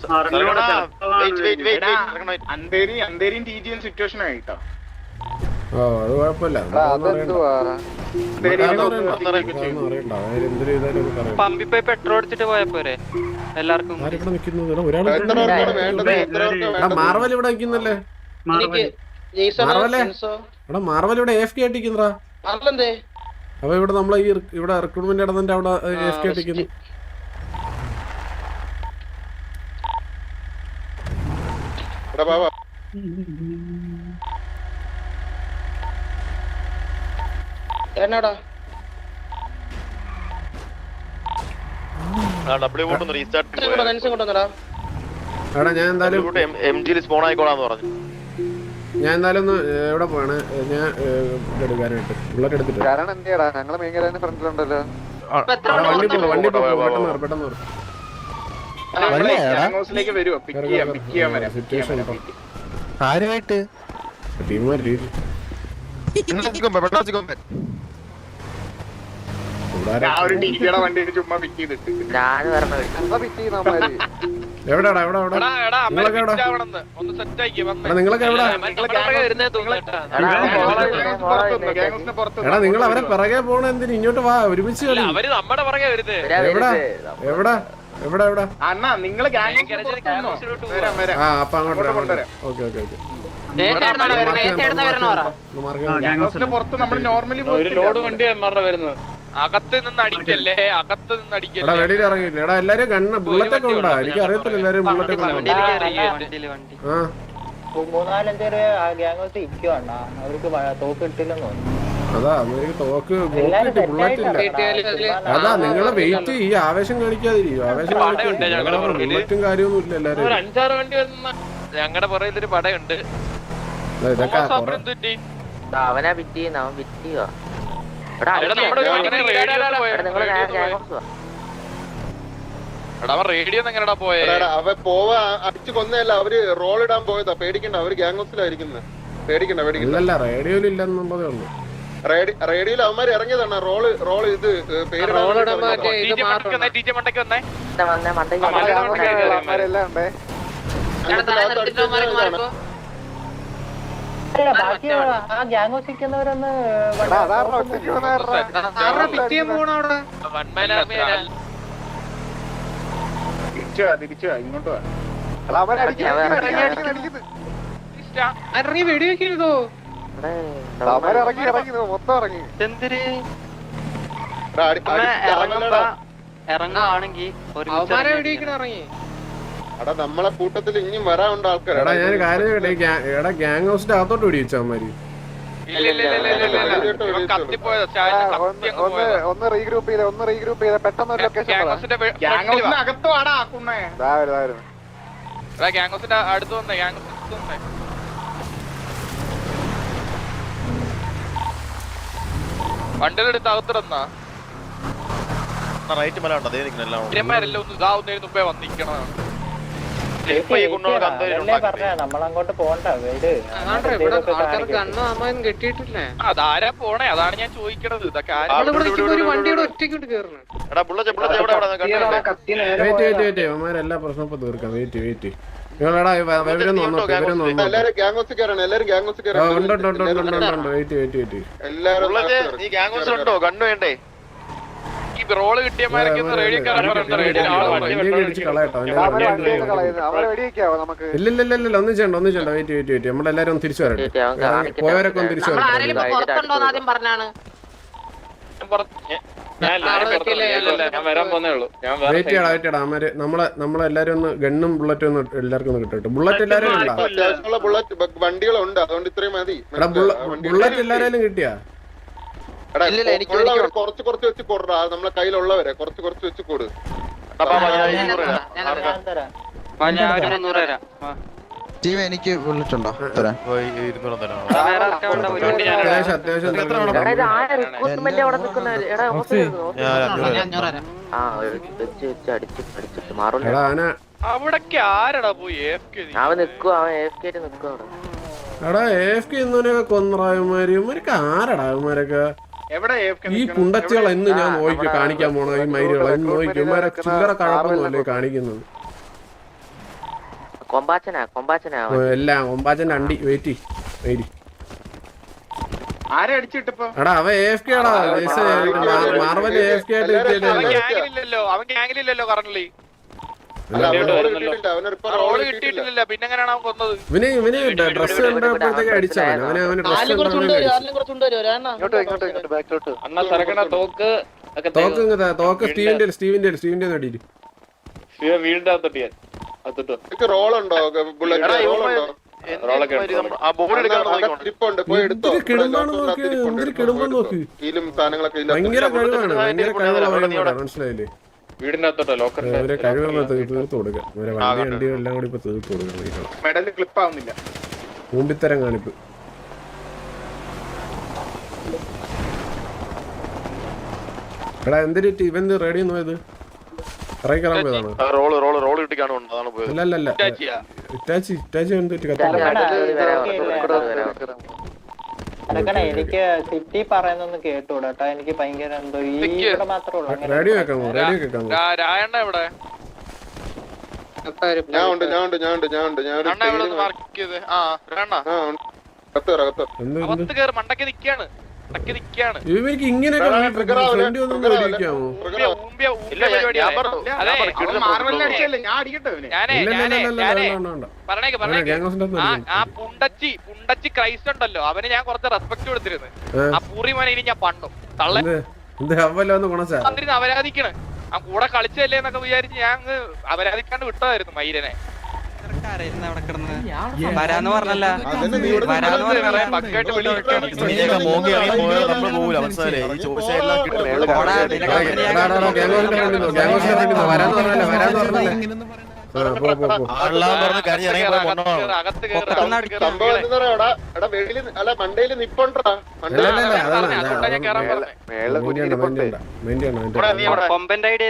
അന്തേരിയും TGM situation ആയിട്ടോ. ഓ അത് കുഴപ്പമില്ല. പമ്പിപ്പോയി പെട്രോൾ അടിച്ചിട്ട് പോയപ്പോരെ എല്ലാവർക്കും. മാർവൽ ഇവിടെ നിൽക്കുന്നല്ലേ? മാർവൽ ഇവിടെ AFK ആയിട്ടിരിക്കുന്നതാ. അപ്പൊ ഇവിടെ നമ്മളെ ഈ ഇവിടെ റിക്രൂട്ട്മെന്റ് നടന്നിട്ട് അവിടെ AFK ആയിട്ടിരിക്കുന്നു. എന്നടാ ഞാൻ എന്തായാലും ഒന്ന് എവിടെ പോവാണ് ഞാൻ എടുക്കാനായിട്ട് ബുള്ളറ്റ് എടുത്തിട്ട് വണ്ടി പെട്ടെന്ന് ആരുമായിട്ട് എവിടാടാ നിങ്ങളൊക്കെ എവിടാ? എടാ നിങ്ങൾ അവരെ പിറകെ പോണ എന്തിന്? ഇങ്ങോട്ട് വാ, ഒരുമിച്ച് കളി. എവിടാ എവിടാ എവിടാ എവിടാ? ആ അപ്പൊ അങ്ങോട്ട് കൊണ്ടുവരാം. Okay okay okay. അകത്ത് നിന്ന് അടിക്കല്ലേ, അകത്ത് നിന്ന് അടിക്കല്ലേ. വെളിയിൽ ഇറങ്ങിയില്ല. എടാ എല്ലാരും കണ്ണ് ബുള്ളറ്റൊക്കെ ഉണ്ടാ? എനിക്ക് അറിയത്തില്ല എല്ലാരും ബുള്ളറ്റൊക്കെ ആ 3-4 പേര് ഗ്യാങ് ഇരിക്കുവാണ്. അവർക്ക് തോക്ക് കിട്ടില്ലെന്ന് തോന്നുന്നു. അതാ അവർക്ക് തോക്ക് ബുള്ളറ്റ് ഇല്ല. അതാ നിങ്ങളെ വെയിറ്റ് ഈ ആവേശം കാണിക്കാതിരിക്കും. ആവേശം ബുള്ളറ്റും കാര്യമൊന്നും ഇല്ല. എല്ലാരും 5-6 വണ്ടി വരുന്ന ഞങ്ങളുടെ പുറകിലൊരു പടയുണ്ട്. ഇതൊക്കെ അവനാ വിറ്റിയെന്ന്. അവൻ വിറ്റിയോ? റേഡിയോ എങ്ങനെടാ പോയെ? അവ പോവാ അടിച്ചു കൊന്നല്ല, അവര് റോൾ ഇടാൻ പോയതാ. പേടിക്കണ്ട, അവര് ഗ്യാങ് ഹൗസിലായിരിക്കുന്നത്. പേടിക്കണ്ട പേടിക്കണ്ട. റേഡിയോയിൽ ഇല്ലെന്നുള്ളതേ ഉള്ളൂ. റേഡിയോയിൽ അവന്മാര് ഇറങ്ങിയതാണ്. റോള് ഇത് പേര് തിരിച്ചു ഇങ്ങോട്ട് ഇറങ്ങി വെടി വെക്കുന്നതോ? ഇറങ്ങുവാണെങ്കിൽ ഇറങ്ങി. എടാ നമ്മളെ കൂട്ടത്തിൽ ഇനിയും വരാനുണ്ട് ആൾക്കാർ. എടാ ഞാൻ കാര്യം എടാ ഗ്യാങ് ഹൗസിന്റെ അകത്തോട്ട് ഓടിച്ചാമാര്. ഒന്ന് റീഗ്രൂപ്പ് ചെയ്ത പെട്ടെന്ന് അടുത്ത് വന്നേ. വണ്ടിയുടെ അടുത്ത് അകത്തിടന്നാ റൈറ്റ് മല ഉണ്ടോ? ഒന്ന് ഇതാവുന്നതിന് മുമ്പേ വന്നിരിക്കണം. നമ്മളങ്ങോട്ട് പോകണ്ട. അതാരാ പോണേ? അതാണ് ഞാൻ ചോദിക്കണത്. ഇതൊക്കെ എല്ലാ പ്രശ്നവും തീർക്കാം. വെയിറ്റ് നിങ്ങളെടാ ഇവരൊന്നും കണ്ണു വേണ്ടേ? ഈ റോള് കിട്ടിയമാരൊക്കെ ഇല്ല ഒന്നും ചെയ്യണ്ട. വെയിറ്റ് നമ്മളെല്ലാരും ഒന്ന് തിരിച്ചു വരട്ടെ. പോയവരൊക്കെ ഒന്ന് തിരിച്ചു വരട്ടെ. വെയിറ്റ് ചെയ്യടാ. നമ്മളെല്ലാരും ഒന്ന് ഗണ്ണും ബുള്ളറ്റും ഒന്ന് എല്ലാവർക്കും ഒന്ന് കിട്ടട്ടെ. ബുള്ളറ്റ് എല്ലാരും വണ്ടികളുണ്ട്, അതുകൊണ്ട് ഇത്രയും മതി. ബുള്ളറ്റ് എല്ലാരും കിട്ടിയാ? കുറച്ച് വെച്ച് കൊടുറാ. നമ്മളെ കയ്യിലുള്ളവരെ കുറച്ച് വെച്ച് കൊടു. എനിക്ക് ബുള്ളറ്റ് ഉണ്ടോ? അവിടൊക്കെ ആരടാ പോയി? എടാ AFK കൊന്നറായമാരൊക്കെ ആരടാ അവന്മാരൊക്കെ? ഈ കുണ്ടച്ചുകൾ എന്ന് ഞാൻ നോക്കി കാണിക്കാൻ പോണ ഈ മൈരുകൾ എന്ന് നോക്കി ഇവന്മാരെ ചില്ലറ കഴപ്പൊന്നുമല്ലേ കാണിക്കുന്നത്? എല്ലാം കൊമ്പാച്ചന്റെ അണ്ടി വെയിറ്റ് ആരെ അടിച്ചിട്ടിപ്പോ എടാ അവൻ AFK ആടാ മാർവൽ AFK ആയിട്ട് അവൻ ഗ്യാങ്ങിലില്ലല്ലോ കറന്റ്ലി റോള് കിട്ടിയിട്ടില്ല പിന്നെ എങ്ങനെയാണ് അവൻ കൊന്നത് ഇവന് ഡ്രസ് കണ്ടപ്പോഴത്തേക്ക് അടിച്ചവൻ അവന് ഡ്രസ് തോക്ക് സ്റ്റീവിന്റെ അടിയില് വീടിന്റെ അകത്തോട്ട് റോളുണ്ടോ ബുള്ളറ്റ് റോളുണ്ടോ പോയി എടുത്തോ നോക്ക് സാധനങ്ങളൊക്കെ ഭയങ്കര കഴിവാണ് മനസ്സിലായില്ലേ വീടിന്റെ അകത്തോട്ടോ ലോക്കറിന്റെ അവരെ കഴിവുകൾ തീർത്ത് കൊടുക്കാം അവരെ വണ്ടി എല്ലാം കൂടി ഇപ്പൊ തീർത്ത് കൊടുക്കണം മെഡല് ക്ലിപ്പ് ആവുന്നില്ല മൂമ്പിത്തരം കാണിപ്പ് എടാ എന്തൊരു ഇവന്റ് റേഡിയോ പോയത് ഇറങ്ങി കയറാൻ പോയതാണോ റോള് കിട്ടി കാണുന്നുണ്ട് അതാണ് പോയത് അല്ലല്ല ഇറ്റാച്ചി എന്തൊരു കത്തി എനിക്ക് സിറ്റി പറയുന്നൊന്ന് കേട്ടൂടാ എനിക്ക് ഭയങ്കര എന്തോ ഈ ഇവിടെ മാത്രമേ റേഡിയോ കേൾക്കാമോ രായണ്ണ എവിടെ ഞാൻ ഉണ്ട് മണ്ടക്ക് നിക്കാണ് ഇവർക്ക് ഇങ്ങനെയൊക്കെ ആ പുണ്ടച്ചി ക്രൈസ്റ്റ് ഉണ്ടല്ലോ അവന് ഞാൻ കുറച്ച് റെസ്പെക്ട് കൊടുത്തിരുന്നു ആ പൂറി മോനെ ഇനി ഞാൻ പണ്ടും തള്ളിരുന്ന് അവരാധിക്കണ് ആ കൂടെ കളിച്ചല്ലേ എന്നൊക്കെ വിചാരിച്ച് ഞാൻ അവരാധിക്കാണ്ട് വിട്ടതായിരുന്നു മൈരനെ വരാന്ന് പറഞ്ഞല്ല മണ്ടയില് നിപ്പണ്ടാ കൊമ്പന്റെ ഐഡിയ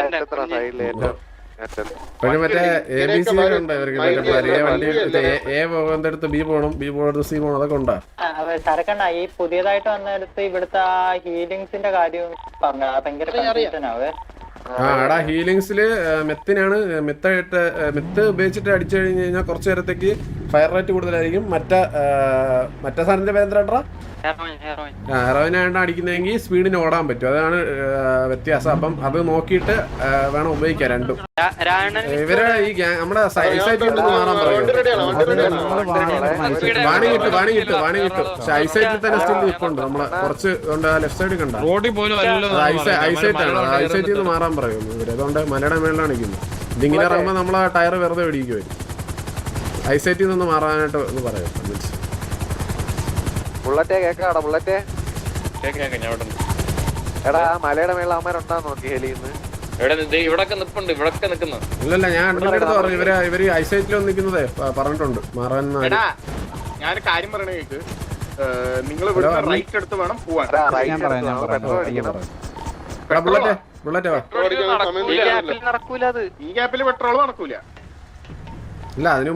മറ്റേ ABC ഉണ്ട് ഇവർക്ക് A പോകുന്നിടത്ത് B പോകണം B പോകുന്നിടത്ത് C പോകണം അതൊക്കെ ഉണ്ടാ സരക്കണ്ണ ഈ പുതിയതായിട്ട് വന്നിടത്ത് ഇവിടുത്തെ ഹീലിങ്സിന്റെ കാര്യം പറഞ്ഞ ഭയങ്കര കൺഫ്യൂഷനാവേ എടാ ഹീലിങ്സില് മെത്തിനാണ് മെത്ത് ഉപയോഗിച്ചിട്ട് അടിച്ചു കഴിഞ്ഞ് കഴിഞ്ഞാൽ കുറച്ചു നേരത്തേക്ക് ഫയർ റേറ്റ് കൂടുതലായിരിക്കും മറ്റേ സാധനത്തിന്റെ പേരെന്താ ഹെറോയിനാണ് അടിക്കുന്നതെങ്കിൽ സ്പീഡിന് ഓടാൻ പറ്റും അതാണ് വ്യത്യാസം അപ്പം അത് നോക്കിയിട്ട് വേണം ഉപയോഗിക്കാൻ രണ്ടും ഇവരെ ഈ നമ്മുടെ ഐസൈറ്റിൽ നിന്ന് മാറാൻ പറയും വാണി കിട്ടും പക്ഷെ ഐസൈറ്റിൽ തന്നെ സ്റ്റിൽ നിൽപ്പുണ്ട് നമ്മളെ കുറച്ച് ലെഫ്റ്റ് സൈഡിൽ കണ്ട ഐസൈറ്റ് ആണ് ഐസൈറ്റിൽ നിന്ന് മാറാൻ പറയുന്നു ഇവര് അതുകൊണ്ട് മലയുടെ മേളിലാണ് നിൽക്കുന്നത് ഇതിങ്ങനെ ഇറങ്ങുമ്പോൾ നമ്മളെ ടയർ വെറുതെ വെടിക്കുമായിരുന്നു ഐസൈറ്റിൽ നിന്ന് മാറാനായിട്ട് ഒന്ന് പറയാം ബുള്ളറ്റേ കേക്കാടാ ബുള്ളറ്റേ എടാ മലയുടെ മേളിൽ അമ്മമാരുണ്ടാന്ന് നോക്കി ഹെലിന്ന് ഇല്ലല്ല ഞാൻ അണ്ണന്റെ അടുത്ത് പറഞ്ഞു ഇവര് ഐസൈറ്റിൽ നിൽക്കുന്നതേ പറഞ്ഞിട്ടുണ്ട് മാറാൻ ഞാൻ കാര്യം പറയണ കേക്ക് നിങ്ങൾ ഇവിടെ റൈറ്റ് എടുത്ത് വേണം പോവാൻ ബുള്ളറ്റ് നടക്കൂല അത് ഈ ഗ്യാപ്പിൽ പെട്രോൾ നടക്കൂല ഇല്ല അതിനും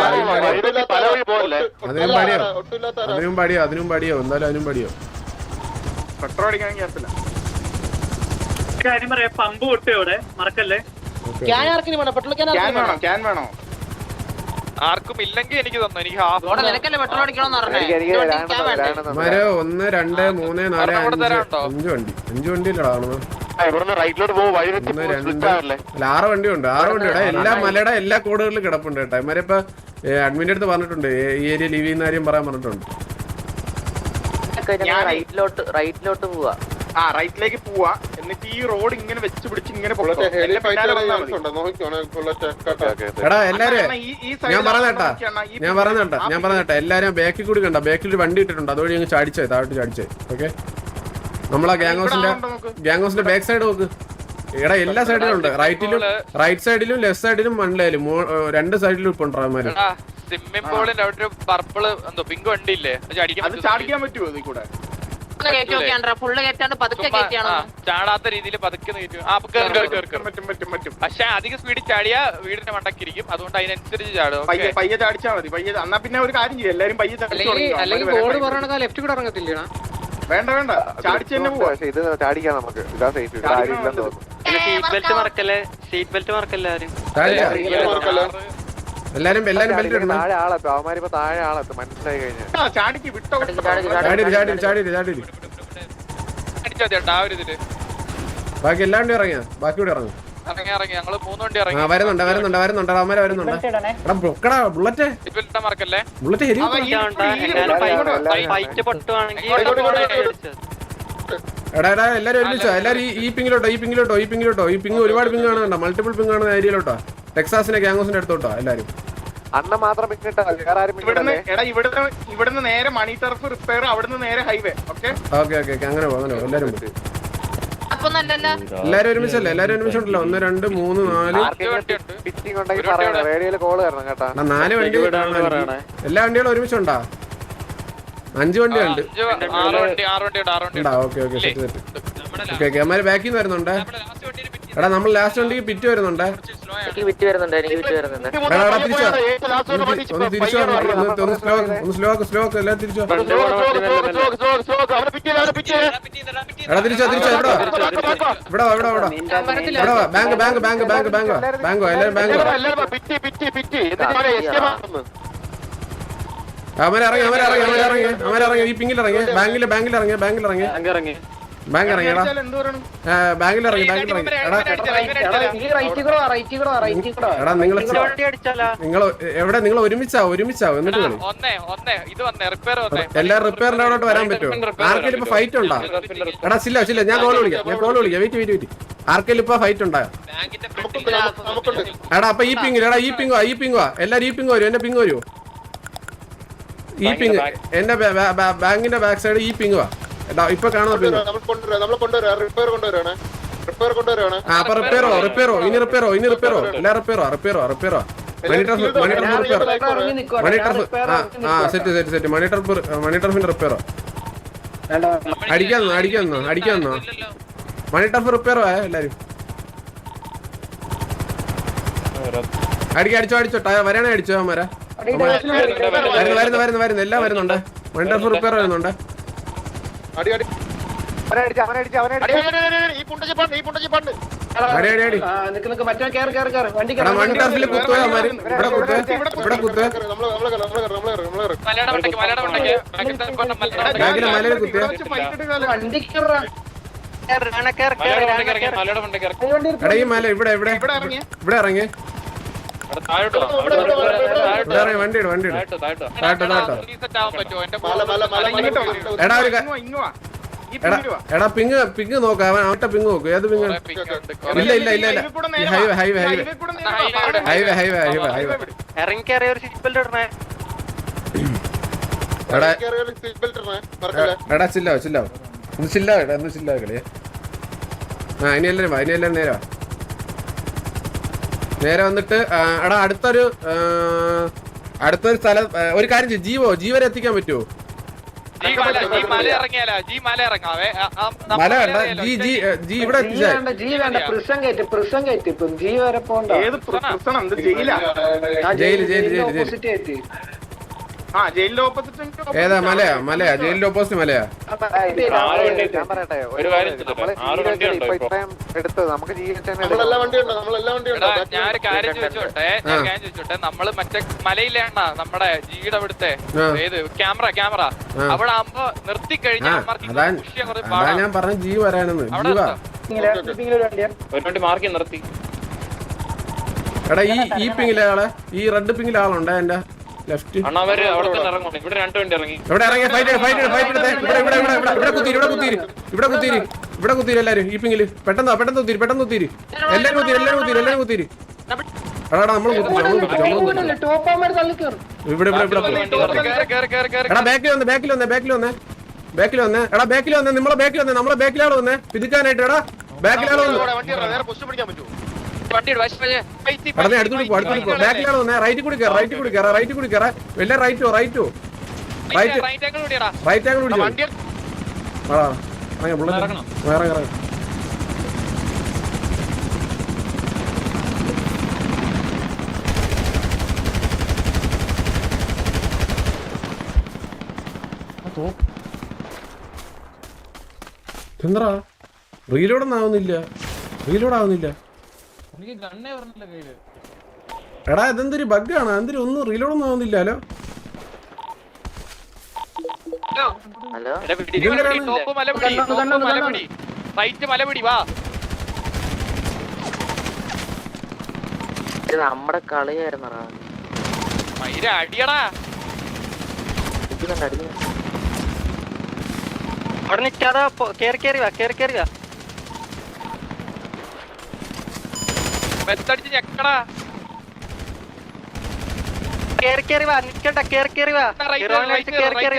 പാടിയോ എന്തായാലും അതിനും പാടിയോ പെട്രോൾ അടിക്കാൻ ഗ്യാപ്പില്ല കാര്യം പറയാം പമ്പ് പൊട്ടിയോ ഇവിടെ മറക്കല്ലേ ക്യാൻ വേണോ ആർക്കും ഇല്ലെങ്കിൽ എനിക്ക് തന്നു എനിക്ക് ഹാഫ് 1 2 3 4 5 വണ്ടി 5 വണ്ടിയിലടാ ആറ് വണ്ടിയുണ്ട് 6 വണ്ടിയുടെ എല്ലാ മലയുടെ എല്ലാ കോഡുകളിലും കിടപ്പുണ്ട് കേട്ടോ ഇമാരെ ഇപ്പൊ അഡ്മിന്റെ അടുത്ത് പറഞ്ഞിട്ടുണ്ട് ഈ ഏരിയ ലീവ് ചെയ്യുന്ന കാര്യം പറയാൻ പറഞ്ഞിട്ടുണ്ട് റൈറ്റിലോട്ട് പോവാ റൈറ്റിലേക്ക് പോവാ എന്നിട്ട് ഈ റോഡ് ഇങ്ങനെ വെച്ച് പിടിച്ച് ഇങ്ങനെ എടാ എല്ലാരും ഞാൻ പറഞ്ഞേട്ടാ എല്ലാരും ബാക്കിൽ കൂടി കണ്ട ബാക്കിൽ വണ്ടി ഇട്ടിട്ടുണ്ട് അതുവഴി ഞങ്ങൾ താഴോട്ട് ചാടിച്ചേ ഓക്കെ നമ്മളാ ഗ്യാങ്ഹൗസിന്റെ ബാക്ക് സൈഡ് നോക്ക് എടാ എല്ലാ സൈഡിലും ഉണ്ട് റൈറ്റ് സൈഡിലും ലെഫ്റ്റ് സൈഡിലും മണ്ണിലും 2 സൈഡിലും ഇപ്പൊ ഉണ്ടാകുമാര് സ്വിമ്മിംഗ് പൂളിന്റെ അവിടെ ഒരു പർപ്പിള് എന്തോ പിങ്ക് വണ്ടി ഇല്ലേ ചാടിക്കാൻ പറ്റുമോ ഇതിൽ കൂടെ ചാടാത്ത രീതിയിൽ പതുക്കെ പക്ഷെ അധികം സ്പീഡിൽ ചാടിയാ വീടിന്റെ മണ്ടക്കിരിക്കും അതുകൊണ്ട് അതിനനുസരിച്ച് ചാടും പയ്യെ ചാടിച്ചാൽ മതി പയ്യെ എന്നാ പിന്നെ ഒരു കാര്യം ചെയ്യും എല്ലാരും പയ്യെ ലെഫ്റ്റ് കൂടെ ഇറങ്ങത്തില്ല വേണ്ട ചാടിച്ച് തന്നെ പോവാ ഇത് ചാടിക്കാം നമുക്ക് ഇതാ സേഫ് സീറ്റ് ബെൽറ്റ് മറക്കല്ലേ ആരും എല്ലാരും ബെൽറ്റ് ഇടണം. താഴെ ആളെത്തും അവന്മാരിപ്പോ താഴെ ആളെത്തും മനസ്സിലായി കഴിഞ്ഞാൽ ചാടിക്ക് വിട്ടോ ചാടി അടിച്ചാ ചേട്ടാ ആ ഒരു ഇതില് ബാക്കി എല്ലാ വണ്ടി ഇറങ്ങിയാ ബാക്കി കൂടെ ഇറങ്ങും. ഇറങ്ങി ഞങ്ങള് 3 വണ്ടി ആ ഇറങ്ങി. വരുന്നുണ്ട് അവന്മാരെ വരുന്നുണ്ട്. എടാ ബ്ലോക്കടാ ബുള്ളറ്റ് ഇട്ടാ മറക്കല്ലേ. ബുള്ളറ്റ് ഹെരി ഫൈറ്റ് പൊട്ടുവാണെങ്കിൽ എടാ എല്ലാരും ഒരുമിച്ചോ എല്ലാരും ഈ പിങ്ങിലോട്ടോ ഈ പിങ് ഒരുപാട് പിങ് കാണുന്നുണ്ടോ മൾട്ടിപ്പിൾ പിങ് കാണുന്ന ഏരിയയിലോട്ടോ ടെക്സാസിന്റെ ഗ്യാങ്സിന്റെ അടുത്തോട്ടോ എല്ലാരും. അണ്ണ മാത്രം പിന്നിട്ടാ വേറെ ആരും ഇവിടുന്ന് പിന്നിട്ടല്ലേ എടാ ഇവിടുന്ന് നേരെ മണി ടർഫ് റിപ്പയർ അവിടുന്ന് നേരെ ഹൈവേ ഓക്കെ ഓക്കെ അങ്ങനെ പോ എല്ലാരും ഒരുമിച്ചല്ലേ എല്ലാരും ഒരുമിച്ചുണ്ടല്ലോ 1 2 3 4 പിച്ചിങ് ഉണ്ടെങ്കിൽ പറയണം റേഡിയോയില് കോള് തരണം കേട്ടാ. 4 വണ്ടി എല്ലാ വണ്ടികളും ഒരുമിച്ചുണ്ടാ 5 വണ്ടിയുണ്ട്. 6 വണ്ടി ഉണ്ടാ ഓക്കെ സെറ്റ് അമ്മമാര് ബാക്കിൽ നിന്ന് വരുന്നുണ്ട്. എടാ നമ്മൾ ലാസ്റ്റ് വണ്ടിക്ക് പിറ്റ് വരുന്നുണ്ട്. എനിക്ക് വിറ്റ് വരുന്നുണ്ട് എടാ തിരിച്ചോ ഒന്ന് തിരിച്ചോ ഒന്ന് സ്ലോ എല്ലാം തിരിച്ചോ. എടാ തിരിച്ചോ ഇവിടെ ബാങ്കോ എല്ലാരും ബാങ്കോ അവരിറങ്ങി ഈ പിങ്ങിൽ ഇറങ്ങി ബാങ്കിൽ ഇറങ്ങി ബാങ്കിലിറങ്ങിയടാ ബാങ്കിലിറങ്ങി എടാ നിങ്ങൾ എവിടെ നിങ്ങൾ ഒരുമിച്ചാവും എന്നിട്ട് കളി എല്ലാ റിപ്പയറിന്റെ അവിടോട്ട് വരാൻ പറ്റുമോ? ആർക്കെങ്കിലും ഇപ്പൊ ഫൈറ്റ് ഉണ്ടാ? എടാ ചില്ല ഞാൻ കോൾ വിളിക്കാം വെയിറ്റ് ആർക്കെങ്കിലും ഇപ്പൊ ഫൈറ്റ് ഉണ്ടായോ? എടാ അപ്പൊ ഈ പിങ്ങോ എല്ലാരും ഈ പിങ് വരും എന്റെ പിങ് വരുമോ? ഈ പിങ് എന്റെ ബാങ്കിന്റെ ബാക്ക് സൈഡ് ഈ പിങ്ങുവാ എടാ ഇപ്പൊ കാണുന്ന പിങ്. അപ്പൊ റിപ്പയറോ ഇനി റിപ്പയറോ എല്ലാ റിപ്പയറോ സെറ്റ് മണി ടർഫിന്റെ റിപ്പയറോ അടിക്കാന്നോ മണി ടർഫ് റിപ്പയറോ എല്ലാരും അടിച്ചോ വരാണേ അടിച്ചോ അവന്മാരാ വരുന്നു എല്ലാം വരുന്നുണ്ട്. മണി ടർഫ് റിപ്പയർ വരുന്നുണ്ട്. മണി ടർഫിൽ കുത്തുക ഇവിടെ കുത്തുക ബാഗിലെ മലയിൽ കുത്തുക. എടാ ഈ മല ഇവിടെ ഇറങ്ങി വണ്ടി എടാ പിങ് നോക്ക അവൻ പിങ് നോക്കൂ ഏത് പിങ്? ഇല്ല ഹൈവേ എടാ ചില്ല കളിയെ. ഇനി എല്ലാരും നേരെ വന്നിട്ട് എടാ അടുത്തൊരു സ്ഥലം ഒരു കാര്യം ചെയ്യും ജീവ വരെ എത്തിക്കാൻ പറ്റുമോ? മല വേണ്ട ജി ഇവിടെ എത്തിച്ചാൽ ജയില് ജയിലിന്റെ ഓപ്പോസിറ്റ് ഏതാ മലയാ ജയിലിന്റെ ഓപ്പോസിറ്റ് മലയാ. ഞാൻ പറയട്ടെ എടുത്തത് നമുക്ക് ഞാനൊരു കാര്യം ചോദിച്ചോട്ടെ നമ്മള് മറ്റേ മലയിലാണ് നമ്മുടെ ജിയുടെ അവിടുത്തെ ഏത് ക്യാമറ അവിടെ ആകുമ്പോ നിർത്തി കഴിഞ്ഞാൽ അതാ ഞാൻ പറഞ്ഞ ജി വരാനെന്ന് നിർത്തി. എടാ ഈ പിങ്ങിലെ ആളെ ഈ റെഡ് പിങ്ങിലെ ആളുണ്ട് എന്റെ ലെഫ്റ്റ്. ഇവിടെ ഇറങ്ങിയ ഇവിടെ കുത്തിരി എല്ലാരും ഈ പിങ്ങില് പെട്ടെന്ന് കുത്തിരി എല്ലാരും കുത്തിരി. എടാ നമ്മൾ ഇവിടെ എടാ ബാക്കിൽ വന്നേ എടാ ബാക്കിൽ വന്നേ നമ്മളെ ബാക്കിലാണ് വന്നേ പിതുക്കാനായിട്ട്. എടാ ബാക്കിലാണ് അടുത്തോട്ട് പോ ബാക്കിലാണ് വന്നേ റൈറ്റ് കൂടി കയറാ വലിയ റൈറ്റ് ആംഗിൾ പിടിച്ചോ. എന്താ റീലോഡ് ആവുന്നില്ല എനിക്ക് ഗണ്ണേ പറഞ്ഞില്ല കയ്യില്. എടാ ഇതെന്തൊരു ബഗ്ഗാണ്, എന്തൊരു ഒന്നും റീലോഡൊന്നും ആവുന്നില്ലല്ലോ. ഹലോ ടോപ്പ് മലപിടി റൈറ്റ് മലപിടി വാ. ഇത് നമ്മുടെ കളിയായിരുന്നടാ. മയിര അടിയടാ. അവിടെ നിൽക്കാതെ കേറി വാ. മെത്തടിച്ച് ഞെക്കടാ. കേറി വാ, നിക്കണ്ട, കേറി വാ. ഹെറോയിൻ അടിച്ച്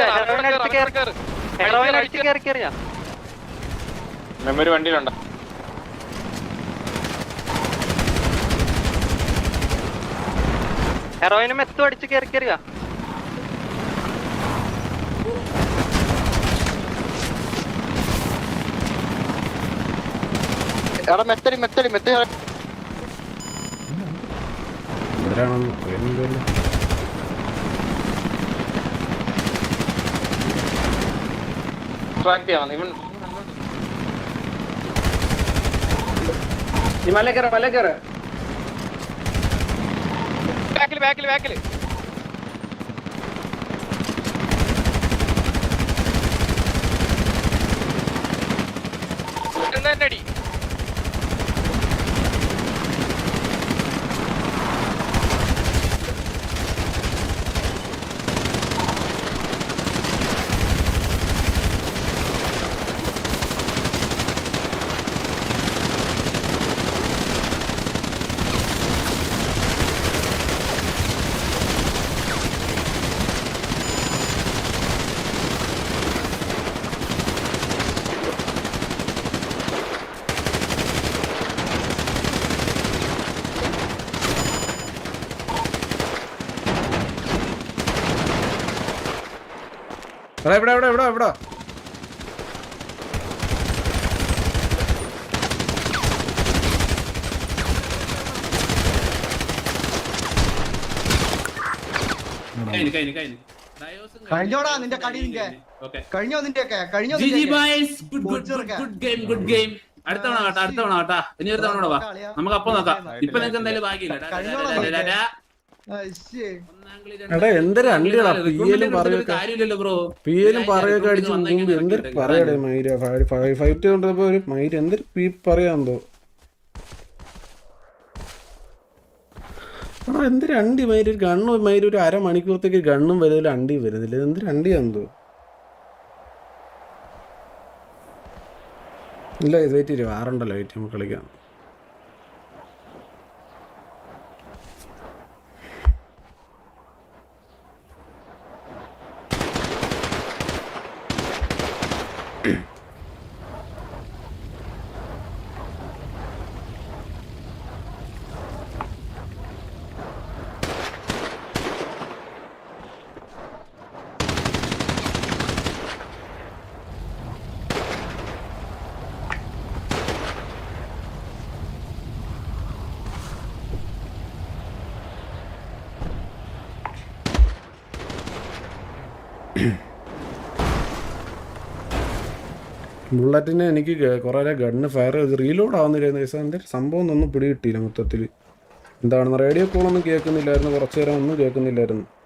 കേറി വാ. മെമ്മറി വണ്ടിയിലുണ്ടോ? ഹെറോയിനും മെത്തും അടിച്ച് കേറി വാ. എടാ മെത്തടി എവിടെയാണെന്ന് അറിയുന്നില്ലല്ലോ. ട്രാക്ക് ചെയ്യാം ഇവൻ. ബാക്കില് അടി. എടാ ഇവിടെ കഴിഞ്ഞോടാ നിന്റെ കളി, കഴിഞ്ഞോ നിന്റെയൊക്കെ കഴിഞ്ഞോ. Good game. അടുത്ത തവണ കേട്ടാ. ഇനി ഒരു തവണ വാ, നമുക്ക് അപ്പൊ നോക്കാം. ഇപ്പൊ നിനക്ക് എന്തായാലും ഭാഗ്യമില്ല. എടാ എന്തൊരു അണ്ടികളാ കാര്യമില്ലല്ലോ ബ്രോ. പിയിലും പറയൊക്കെ അടിച്ചു എന്തൊരു പറയടേ മയിര ഫൈറ്റ് കൊണ്ടപ്പോ ഒരു മയിര് എന്തൊരു പീ പറയാന്തോ. ആ എന്തൊരു അണ്ടി മയിര്, ഒരു ഗണ്ണും മയിര് ഒരു അരമണിക്കൂറത്തേക്ക് ഗണ്ണും വരുന്നില്ല, അണ്ടിയും വരുന്നില്ല. എന്തൊരു അണ്ടിയാന്തോ. ഇല്ല ഇത് വെയിറ്റ് ചെയ്യും, ആറുണ്ടല്ലോ വെയിറ്റ് നമുക്ക് കളിക്കാം. ബുള്ളറ്റിന് എനിക്ക് കുറേ ഗണ്ണ് ഫയർ ചെയ്ത് റീലോഡ് ആവുന്നില്ലായിരുന്നു. എൻ്റെ സംഭവം ഒന്നും പിടികിട്ടിയില്ല മൊത്തത്തിൽ. എന്താണെന്ന് റേഡിയോ കോളൊന്നും കേൾക്കുന്നില്ലായിരുന്നു, കുറച്ച് നേരം ഒന്നും കേൾക്കുന്നില്ലായിരുന്നു.